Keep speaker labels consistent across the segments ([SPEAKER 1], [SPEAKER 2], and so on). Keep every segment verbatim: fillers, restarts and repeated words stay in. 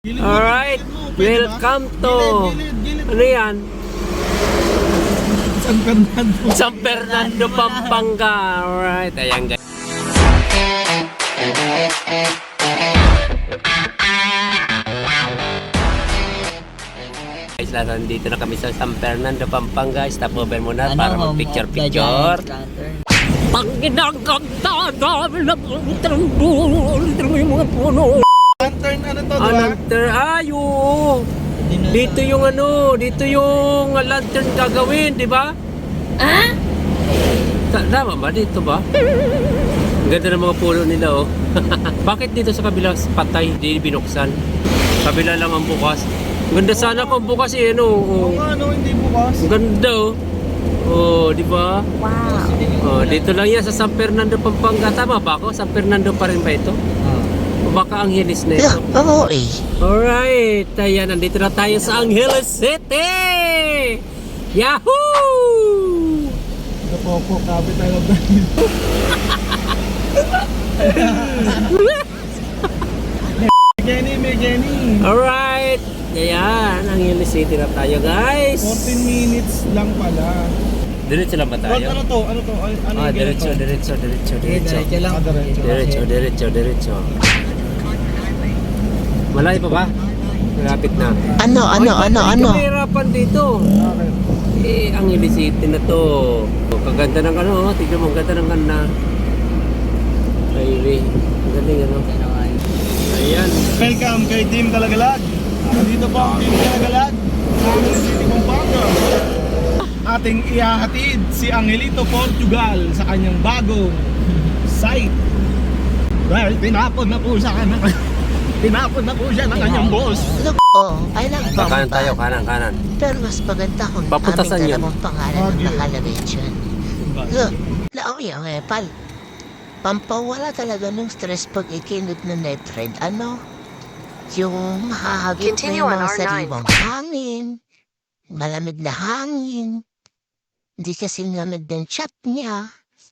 [SPEAKER 1] Alright, welcome to, ano yan?
[SPEAKER 2] San Fernando.
[SPEAKER 1] San Fernando, Pampanga. Alright, ayan guys. Guys, nandito na kami sa San Fernando, Pampanga. Stop over muna para mag-picture-picture. Panginoon, dami na yung mga puno.
[SPEAKER 2] Lantern ano to,
[SPEAKER 1] Ah,
[SPEAKER 2] diba?
[SPEAKER 1] lantern. Ay, oo. Dito yung ano, dito yung lantern gagawin, di ba? Ah? Tama ba? Dito ba? Ang ganda ng mga puno nila, oh. Bakit dito sa kabila patay, di binuksan? Kabila lang ang bukas. Ang ganda sana kung bukas eh, ano. Oh.
[SPEAKER 2] Oo nga, no, hindi bukas.
[SPEAKER 1] Ang ganda, oh. Oh, di ba? Wow. Oh, dito lang yan sa San Fernando, Pampanga. Tama ba ako? San Fernando pa rin ba ito? O baka Angeles na ito?
[SPEAKER 3] Oo eh.
[SPEAKER 1] Alright, ayan, nandito na tayo sa Angeles City! Yahoo!
[SPEAKER 2] Napopo, capital of the Jenny, may Jenny.
[SPEAKER 1] Alright, ayan, Angeles City na tayo guys.
[SPEAKER 2] fourteen minutes lang pala.
[SPEAKER 1] Diretso lang ba
[SPEAKER 2] What,
[SPEAKER 1] tayo?
[SPEAKER 2] ano to? Ano to? Ano, ano
[SPEAKER 1] Ah,
[SPEAKER 2] yung
[SPEAKER 1] diretso,
[SPEAKER 2] ganito?
[SPEAKER 1] diretso, diretso, diretso.
[SPEAKER 2] Diretso lang. Ah, diretso.
[SPEAKER 1] Diretso, diretso, diretso. Malayo pa ba? Malapit na.
[SPEAKER 3] Ano, ano,
[SPEAKER 1] Ay,
[SPEAKER 3] ano,
[SPEAKER 1] ba't
[SPEAKER 3] ano?
[SPEAKER 1] hindi kahirapan dito?
[SPEAKER 2] Bakit?
[SPEAKER 1] Eh, Angeles City na to. Kaganda ng ano, oh. Tignan mo, ang ganda ng ganda. Highway. Ang galing ano. Ayan.
[SPEAKER 2] Welcome kay Team Kalagalag. Dito po ang Team Kalagalag sa Angeles City, Pampanga. Ating ihahatid si Angelito Portugal sa kanyang bagong site. Well, tinapon na po sa kanya. Tinapon na po siya ng kanyang boss.
[SPEAKER 3] Look, oh, I love
[SPEAKER 1] Kanan
[SPEAKER 3] Bamba.
[SPEAKER 1] tayo, kanan, kanan.
[SPEAKER 3] Pero mas maganda kung
[SPEAKER 1] Papunta saan
[SPEAKER 3] aming
[SPEAKER 1] yun?
[SPEAKER 3] dalawang pangalan ang
[SPEAKER 2] Baguio.
[SPEAKER 3] nakalagay dyan. Look, laoy ang epal. Pampawala talaga ng stress pag ikinod na net friend. Ano? Yung mahahagit na
[SPEAKER 4] Continue
[SPEAKER 3] yung
[SPEAKER 4] on
[SPEAKER 3] mga
[SPEAKER 4] R nine.
[SPEAKER 3] sariwang hangin. Malamig na hangin. Hindi kasi lamig ng chat niya.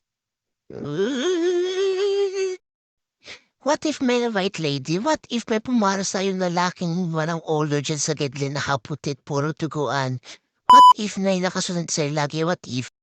[SPEAKER 3] What if may white lady? What if may pumara sa'yo lalaking walang older dyan sa gidli na haputit puro tuguan? What if may nakasunod sa'yo lagi? What if